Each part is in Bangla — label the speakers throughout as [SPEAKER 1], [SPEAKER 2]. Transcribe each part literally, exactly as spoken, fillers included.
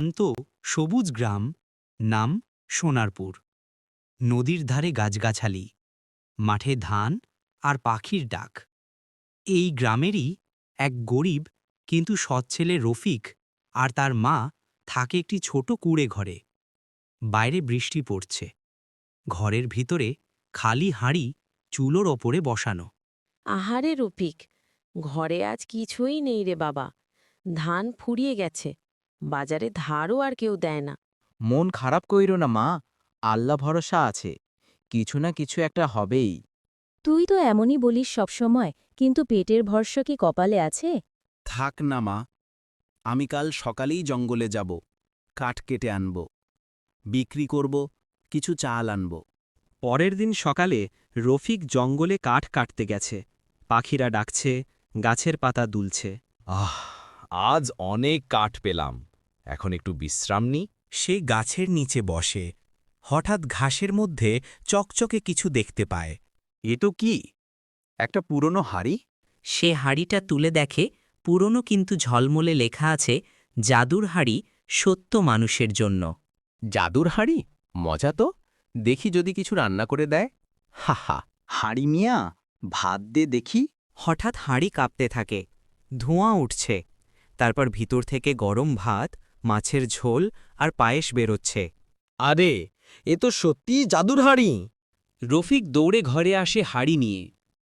[SPEAKER 1] শান্ত সবুজ গ্রাম, নাম সোনারপুর। নদীর ধারে গাছগাছালি, মাঠে ধান আর পাখির ডাক। এই গ্রামেরই এক গরিব কিন্তু সৎ ছেলে রফিক আর তার মা থাকে একটি ছোট কুঁড়ে ঘরে। বাইরে বৃষ্টি পড়ছে, ঘরের ভিতরে খালি হাঁড়ি চুলোর ওপরে বসানো।
[SPEAKER 2] আহারে রফিক, ঘরে আজ কিছুই নেই রে বাবা। ধান ফুরিয়ে গেছে, বাজারে ধারও আর কেউ দেয় না।
[SPEAKER 3] মন খারাপ কইরো না মা, আল্লাহ ভরসা আছে, কিছু না কিছু একটা হবেই।
[SPEAKER 4] তুই তো এমনই বলিস সবসময়, কিন্তু পেটের ভরসা কি কপালে আছে?
[SPEAKER 5] থাক না মা, আমি কাল সকালেই জঙ্গলে যাব, কাঠ কেটে আনব, বিক্রি করব, কিছু চাল আনব।
[SPEAKER 1] পরের দিন সকালে রফিক জঙ্গলে কাঠ কাটতে গেছে। পাখিরা ডাকছে, গাছের পাতা দুলছে।
[SPEAKER 6] আহ, আজ অনেক কাঠ পেলাম, এখন একটু বিশ্রাম নিই।
[SPEAKER 1] সে গাছের নিচে বসে, হঠাৎ ঘাসের মধ্যে চকচকে কিছু দেখতে পায়।
[SPEAKER 5] এ তো কি, একটা পুরনো হাড়ি?
[SPEAKER 7] সে হাড়িটা তুলে দেখে, পুরনো কিন্তু ঝলমলে লেখা আছে, জাদুর হাড়ি সত্য মানুষের জন্য।
[SPEAKER 6] জাদুর হাঁড়ি, মজা তো, দেখি যদি কিছু রান্না করে দেয়। হা হা।
[SPEAKER 3] হাড়ি মিয়া, ভাত দে দেখি।
[SPEAKER 7] হঠাৎ হাঁড়ি কাঁপতে থাকে, ধোঁয়া উঠছে, তারপর ভিতর থেকে গরম ভাত, মাছের ঝোল আর পায়েস বেরোচ্ছে।
[SPEAKER 6] আরে, এ তো সত্যিই জাদুর হাঁড়ি।
[SPEAKER 1] রফিক দৌড়ে ঘরে আসে হাঁড়ি নিয়ে।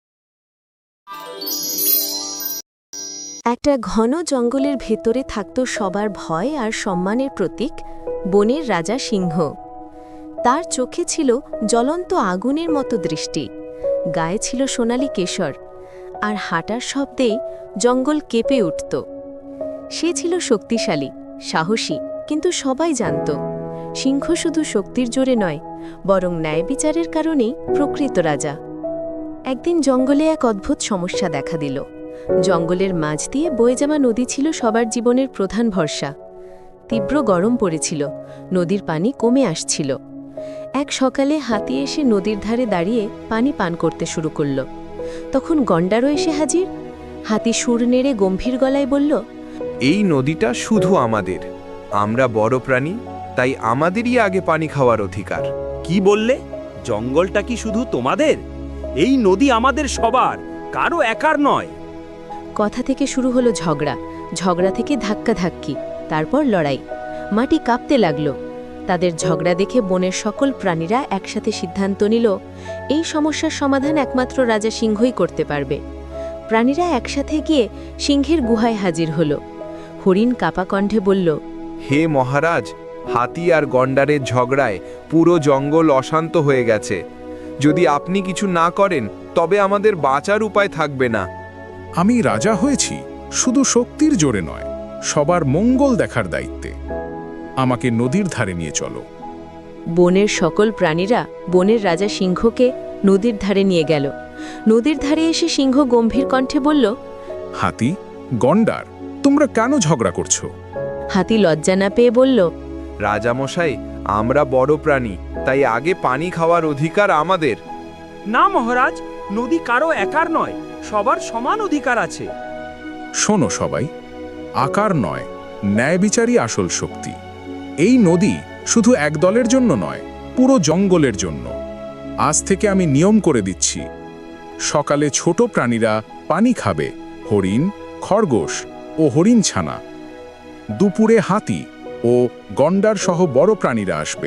[SPEAKER 2] একটা ঘন জঙ্গলের ভেতরে থাকত সবার ভয় আর সম্মানের প্রতীক, বনের রাজা সিংহ। তার চোখে ছিল জ্বলন্ত আগুনের মতো দৃষ্টি, গায়ে ছিল সোনালি কেশর, আর হাঁটার শব্দেই জঙ্গল কেঁপে উঠত। সে ছিল শক্তিশালী, সাহসী, কিন্তু সবাই জানত সিংহ শুধু শক্তির জোরে নয়, বরং ন্যায় বিচারের কারণেই প্রকৃত রাজা। একদিন জঙ্গলে এক অদ্ভুত সমস্যা দেখা দিল। জঙ্গলের মাঝ দিয়ে বয়ে যাওয়া নদী ছিল সবার জীবনের প্রধান ভরসা। তীব্র গরম পড়েছিল, নদীর পানি কমে আসছিল। এক সকালে হাতি এসে নদীর ধারে দাঁড়িয়ে পানি পান করতে শুরু করল। তখন গন্ডারও এসে হাজির। হাতি সুর নেড়ে গম্ভীর গলায় বলল,
[SPEAKER 8] এই নদীটা শুধু আমাদের, আমরা বড় প্রাণী, তাই আমাদেরই আগে পানি খাওয়ার অধিকার।
[SPEAKER 5] কি বললে? জঙ্গলটা কি শুধু তোমাদের? এই নদী আমাদের সবার, কারো একার নয়।
[SPEAKER 2] কথা থেকে শুরু হলো ঝগড়া, ঝগড়া থেকে ধাক্কাধাক্কি, তারপর লড়াই। মাটি কাঁপতে লাগল। তাদের ঝগড়া দেখে বনের সকল প্রাণীরা একসাথে সিদ্ধান্ত নিল, এই সমস্যার সমাধান একমাত্র রাজা সিংহই করতে পারবে। প্রাণীরা একসাথে গিয়ে সিংহের গুহায় হাজির হল। হরিণ কাপা কণ্ঠে বলল,
[SPEAKER 8] হে মহারাজ, হাতি আর গন্ডারের ঝগড়ায় পুরো জঙ্গল অশান্ত হয়ে গেছে। যদি আপনি কিছু না করেন তবে আমাদের বাঁচার উপায় থাকবে না।
[SPEAKER 9] আমি রাজা হয়েছি শুধু শক্তির জোরে নয়, সবার মঙ্গল দেখার দায়িত্বে। আমাকে নদীর ধারে নিয়ে চলো।
[SPEAKER 2] বনের সকল প্রাণীরা বনের রাজা সিংহকে নদীর ধারে নিয়ে গেল। নদীর ধারে এসে সিংহ গম্ভীর কণ্ঠে বলল,
[SPEAKER 9] হাতি, গন্ডার, তোমরা কেন ঝগড়া করছো?
[SPEAKER 2] হাতি লজ্জা না পেয়ে বলল,
[SPEAKER 8] রাজামশাই, আমরা বড় প্রাণী, তাই আগে পানি খাওয়ার অধিকার আমাদের।
[SPEAKER 5] না মহারাজ, নদী কারো একার নয়, সবার সমান অধিকার আছে।
[SPEAKER 9] শোনো সবাই, আকার নয়, ন্যায় বিচারই আসল শক্তি। এই নদী শুধু এক দলের জন্য নয়, পুরো জঙ্গলের জন্য। আজ থেকে আমি নিয়ম করে দিচ্ছি, সকালে ছোট প্রাণীরা পানি খাবে, হরিণ, খরগোশ ও হরিণ ছানা। দুপুরে হাতি ও গন্ডার সহ বড় প্রাণীরা আসবে।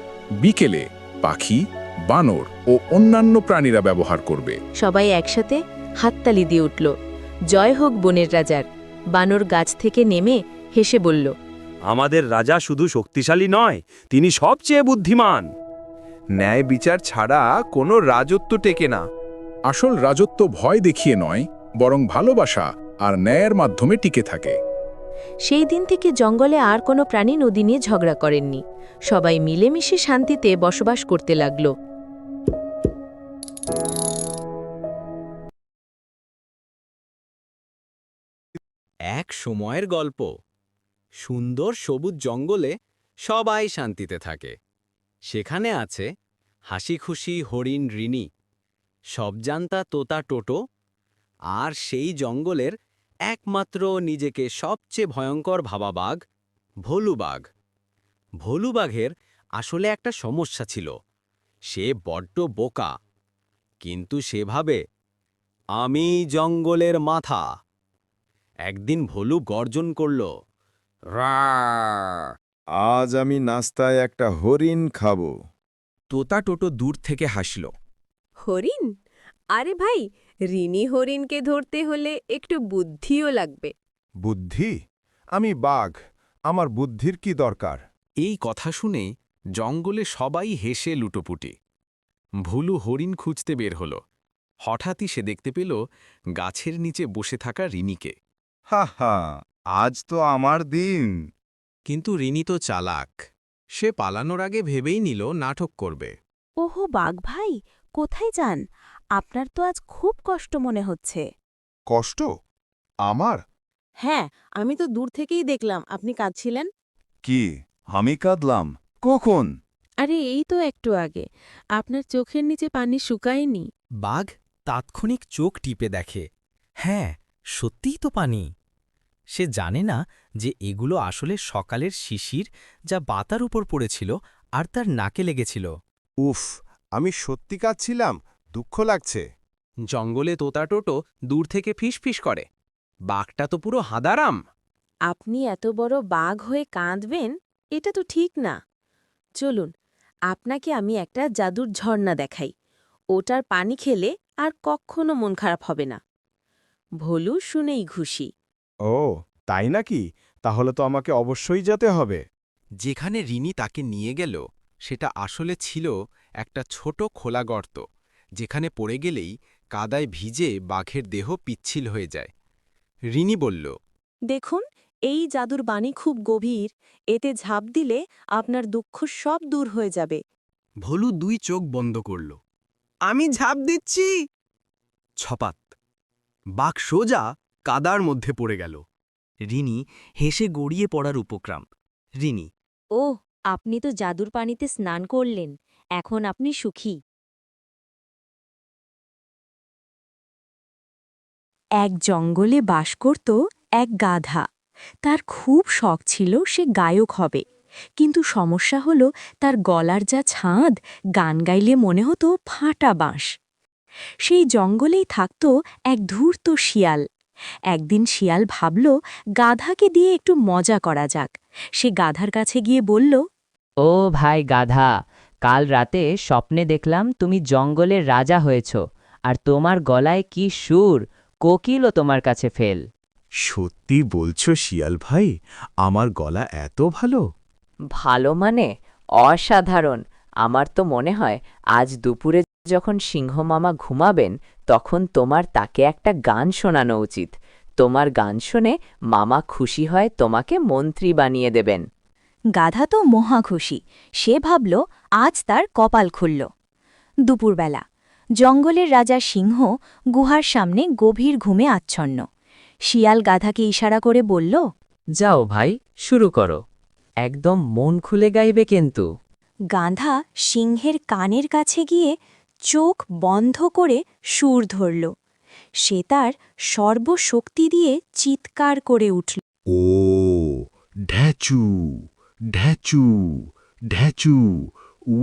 [SPEAKER 9] বিকেলে পাখি, বানর ও অন্যান্য প্রাণীরা ব্যবহার করবে।
[SPEAKER 2] সবাই একসাথে হাততালি দিয়ে উঠল, জয় হোক বনের রাজার। বানর গাছ থেকে নেমে হেসে বলল,
[SPEAKER 5] আমাদের রাজা শুধু শক্তিশালী নয়, তিনি সবচেয়ে বুদ্ধিমান।
[SPEAKER 8] ন্যায় বিচার ছাড়া কোনো রাজত্ব টেকে না।
[SPEAKER 9] আসল রাজত্ব ভয় দেখিয়ে নয়, বরং ভালোবাসা আর ন্যায়ের মাধ্যমে টিকে থাকে।
[SPEAKER 2] সেই দিন থেকে জঙ্গলে আর কোনো প্রাণী নদী নিয়ে ঝগড়া করেননি। সবাই মিলেমিশে শান্তিতে বসবাস করতে লাগল।
[SPEAKER 6] এক সময়ের গল্প। সুন্দর সবুজ জঙ্গলে সবাই শান্তিতে থাকে। সেখানে আছে হাসি খুশি হরিণ রিনি, সবজান্তা তোতা টোটো, আর সেই জঙ্গলের একমাত্র নিজেকে সবচেয়ে ভয়ঙ্কর ভাবা বাঘ, ভোলু বাঘ।
[SPEAKER 5] ভোলু বাঘের আসলে একটা সমস্যা ছিল। সে বড্ড বোকা, কিন্তু সে ভাবে আমি জঙ্গলের মাথা। একদিন ভোলু গর্জন করল,
[SPEAKER 8] আজ আমি নাস্তায় একটা হরিণ খাবো।
[SPEAKER 6] তোতা টোটো দূর থেকে হাসল।
[SPEAKER 10] হরিণ? আরে ভাই, ঋণী হরিণকে ধরতে হলে একটু বুদ্ধিও লাগবে।
[SPEAKER 8] বুদ্ধি? আমি বাঘ, আমার বুদ্ধির কি দরকার?
[SPEAKER 6] এই কথা শুনে জঙ্গলে সবাই হেসে লুটোপুটি। ভুলু হরিণ খুঁজতে বের হল। হঠাৎই সে দেখতে পেল গাছের নিচে বসে থাকা রিনিকে।
[SPEAKER 8] হা হা, আজ তো আমার দিন।
[SPEAKER 6] কিন্তু রিনি তো চালাক। সে পালানোর আগে ভেবেই নিল নাটক করবে।
[SPEAKER 4] ওহো বাঘ ভাই, কোথায় যান? আপনার তো আজ খুব কষ্ট মনে হচ্ছে।
[SPEAKER 8] কষ্ট? আমার?
[SPEAKER 10] হ্যাঁ, আমি তো দূর থেকেই দেখলাম আপনি কাঁদছিলেন।
[SPEAKER 8] কি, আমি কাঁদলাম কখন?
[SPEAKER 10] আরে এই তো একটু আগে, আপনার চোখের নিচে পানি শুকায়নি।
[SPEAKER 5] বাঘ তাৎক্ষণিক চোখ টিপে দেখে, হ্যাঁ, সত্যিই তো পানি। সে জানে না যে এগুলো আসলে সকালের শিশির, যা বাতার উপর পড়েছিল আর তার নাকে লেগেছিল।
[SPEAKER 8] উফ, আমি সত্যি কাঁদছিলাম, দুঃখ লাগছে।
[SPEAKER 6] জঙ্গলে তোতা টোটো দূর থেকে ফিসফিস করে, বাঘটা তো পুরো হাঁদারাম।
[SPEAKER 10] আপনি এত বড় বাঘ হয়ে কাঁদবেন, এটা তো ঠিক না। চলুন, আপনাকে আমি একটা জাদুর ঝর্ণা দেখাই। ওটার পানি খেলে আর কখনো মন খারাপ হবে না। ভোলু শুনেই খুশি।
[SPEAKER 8] ও তাই নাকি? তাহলে তো আমাকে অবশ্যই যেতে হবে।
[SPEAKER 6] যেখানে রিনি তাকে নিয়ে গেল সেটা আসলে ছিল একটা ছোট খোলা গর্ত, যেখানে পড়ে গেলেই কাদায় ভিজে বাঘের দেহ পিচ্ছিল হয়ে যায়। রিনি বলল,
[SPEAKER 10] দেখুন, এই জাদুর বাণী খুব গভীর। এতে ঝাঁপ দিলে আপনার দুঃখ সব দূর হয়ে যাবে।
[SPEAKER 5] ভোলু দুই চোখ বন্ধ করল। আমি ঝাঁপ দিচ্ছি। ছপাত, বাঘ সোজা কাদার মধ্যে পড়ে গেল। রিনি হেসে গড়িয়ে পড়ার উপক্রম। রিনি,
[SPEAKER 4] ও, আপনি তো জাদুর পানিতে স্নান করলেন, এখন আপনি সুখী।
[SPEAKER 2] এক জঙ্গলে বাস করত এক গাধা। তার খুব শখ ছিল সে গায়ক হবে, কিন্তু সমস্যা হলো তার গলার যা ছাঁদ, গান গাইলে মনে হতো ফাটা বাঁশ। সেই জঙ্গলেই থাকত এক ধূর্ত শিয়াল। একদিন শিয়াল ভাবল গাধাকে দিয়ে একটু মজা করা যাক। সে গাধার কাছে গিয়ে বলল,
[SPEAKER 11] ও ভাই গাধা, কাল রাতে স্বপ্নে দেখলাম তুমি জঙ্গলের রাজা হয়েছ, আর তোমার গলায় কি সুর, কোকিলও তোমার কাছে ফেল।
[SPEAKER 8] সত্যি বলছো শিয়াল ভাই? আমার গলা এত ভালো?
[SPEAKER 11] ভালো মানে অসাধারণ। আমার তো মনে হয় আজ দুপুরে যখন সিংহ মামা ঘুমাবেন তখন তোমার তাকে একটা গান শোনানো উচিত। তোমার গান শুনে মামা খুশি হয় তোমাকে মন্ত্রী বানিয়ে দেবেন।
[SPEAKER 2] গাধা তো মহা খুশি। সে ভাবল আজ তার কপাল খুলল। দুপুরবেলা জঙ্গলের রাজা সিংহ গুহার সামনে গভীর ঘুমে আচ্ছন্ন। শিয়াল গাধাকে ইশারা করে বলল,
[SPEAKER 11] যাও ভাই, শুরু করো, একদম মন খুলে গাইবে কিন্তু।
[SPEAKER 2] গাধা সিংহের কানের কাছে গিয়ে চোখ বন্ধ করে সুর ধরল। সে তার সর্বশক্তি দিয়ে চিৎকার করে উঠল,
[SPEAKER 8] ও ঢ্যাচু ঢ্যাচু ঢ্যাচু উ।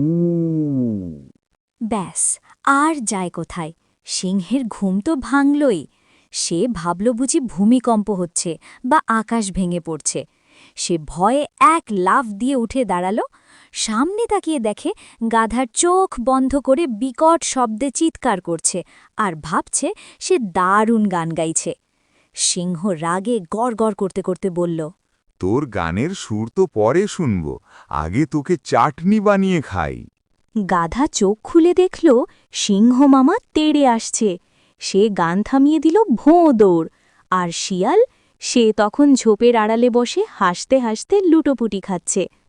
[SPEAKER 2] ব্যাস, আর যায় কোথায়? সিংহের ঘুম তো ভাঙলই। সে ভাবল বুঝি ভূমিকম্প হচ্ছে বা আকাশ ভেঙে পড়ছে। সে ভয়ে এক লাফ দিয়ে উঠে দাঁড়াল। সামনে তাকিয়ে দেখে গাধার চোখ বন্ধ করে বিকট শব্দে চিৎকার করছে আর ভাবছে সে দারুণ গান গাইছে। সিংহ রাগে গড় গড় করতে করতে বলল,
[SPEAKER 8] তোর গানের সুর তো পরে শুনব, আগে তোকে চাটনি বানিয়ে খাই।
[SPEAKER 2] গাধা চোখ খুলে দেখল সিংহ মামা তেড়ে আসছে। সে গান থামিয়ে দিল ভোঁ দৌড়। আর শিয়াল, সে তখন ঝোপের আড়ালে বসে হাসতে হাসতে লুটোপুটি খাচ্ছে।